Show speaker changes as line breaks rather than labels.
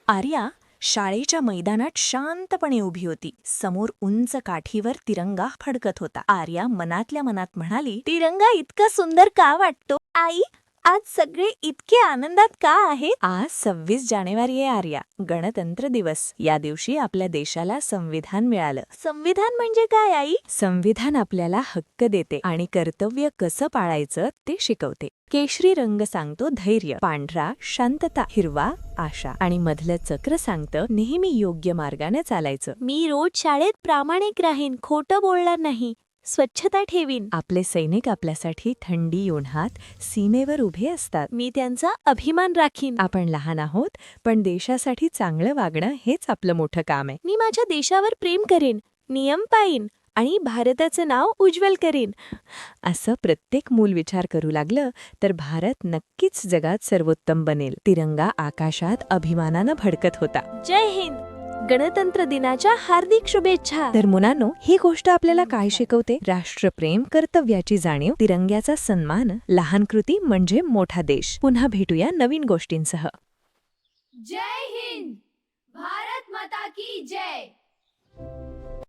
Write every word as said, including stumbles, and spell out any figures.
आर्या शाळेच्या मैदानात शांतपणे उभी होती. समोर उंच काठीवर तिरंगा फडकत होता. आर्या मनातल्या मनात म्हणाली, तिरंगा इतका सुंदर का वाटतो? आई, आज सगळे इतके आनंदात का आहेत? आज सव्वीस जानेवारी आहे आर्या, गणतंत्र दिवस. या दिवशी आपल्या देशाला संविधान मिळालं. संविधान म्हणजे काय आई? संविधान आपल्याला हक्क देते आणि कर्तव्य कसं पाळायचं ते शिकवते. केशरी रंग सांगतो धैर्य, पांढरा शांतता, हिरवा आशा आणि मधलं चक्र सांगतं नेहमी योग्य मार्गाने चालायचं. मी रोज शाळेत प्रामाणिक राहीन, खोटं बोलणार नाही, स्वच्छता ठेवीन. आपले सैनिक आपल्यासाठी थंडी उन्हात सीमेवर उभे असतात. मी त्यांचा अभिमान राखीन. आपण लहान आहोत, पण देशासाठी चांगलं वागणं हेच आपलं मोठं काम आहे. मी माझ्या देशावर प्रेम करेन, नियम पाळीन आणि भारताचं नाव उज्ज्वल करीन. असं प्रत्येक मूल विचार करू लागलं तर भारत नक्कीच जगात सर्वोत्तम बनेल. तिरंगा आकाशात अभिमानानं भडकत होता. जय हिंद. गणतंत्र दिनाच्या हार्दिक शुभेच्छा. तर मुलांनो, ही गोष्ट आपल्याला काय शिकवते? राष्ट्रप्रेम, कर्तव्याची जाणीव, तिरंग्याचा सन्मान, लहान कृती म्हणजे मोठा देश. पुन्हा भेटूया नवीन गोष्टींसह.
जय हिंद. भारत माता की जय.